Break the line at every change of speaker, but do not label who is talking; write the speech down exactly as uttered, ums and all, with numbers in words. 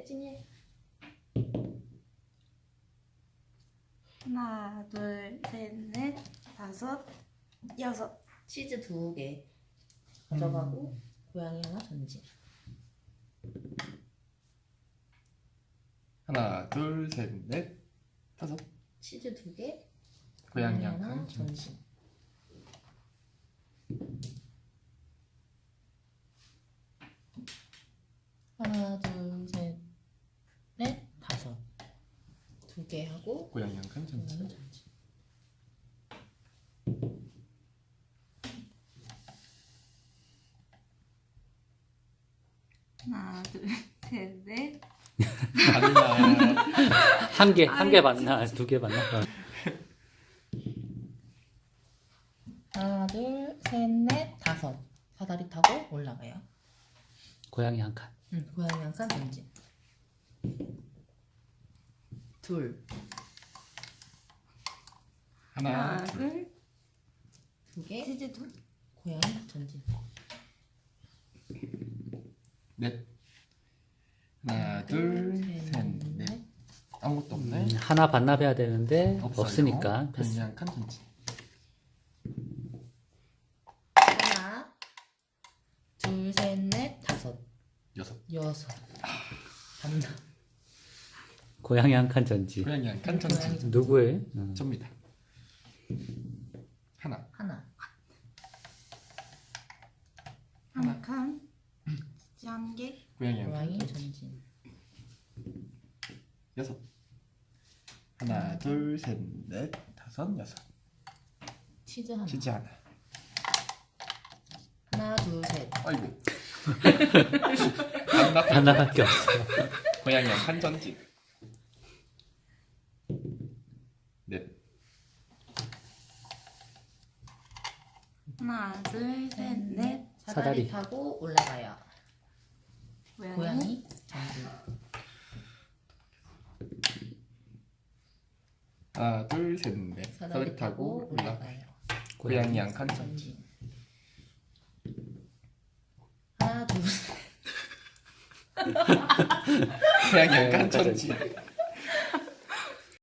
혜진이.
하나, 둘, 셋, 넷, 다섯, 여섯.
치즈 두 개 가져가고 음. 고양이 하나 전진.
하나, 둘, 셋, 넷, 다섯.
치즈 두 개
고양이
고양이
하나
하나
전진.
전진. 하나, 둘, 셋, 넷, 다섯. 두 개 하고
고양이 한 칸 전진.
고양이 전진.
하나, 둘, 셋, 넷.
맞나?
한 개, 한 개 맞나? 두 개 맞나? 어.
하나, 둘, 셋, 넷, 다섯. 사다리 타고 올라가요.
고양이 한 칸.
응, 고양이 한 칸 전진. 둘,
하나,
하나, 둘,
두 개,
치즈 둘.
고양이 전진.
넷. 하나, 둘, 셋, 넷. 아무것도 없네.
음, 하나 반납해야 되는데
없어요.
없으니까
고양이
패스.
한 칸 전진.
하나, 둘, 셋, 넷, 다섯,
여섯.
여섯. 반납.
고양이 한 칸 전지.
고양이 한 칸
고양이
전진.
전진.
누구의? 어.
접니다. 하나.
하나.
한 칸. 치즈 한 개.
고양이 한
고양이
칸 전진.
전진.
여섯. 하나, 둘, 셋, 넷, 다섯, 여섯.
치즈 하나.
치즈 하나.
하나, 둘, 셋.
아이고. 반납.
하나밖에 없어.
고양이 한 칸 전진. 넷.
하나, 둘, 셋, 넷.
사다리
사다리.
타고 올라가요.
고양이.
고양이 전진.
하나, 둘, 셋, 넷.
사다리
사다리 타고 올라가.
올라가요.
고양이 한 칸 전진.
전진. 하나, 둘, 셋.
고양이 한 칸 전진.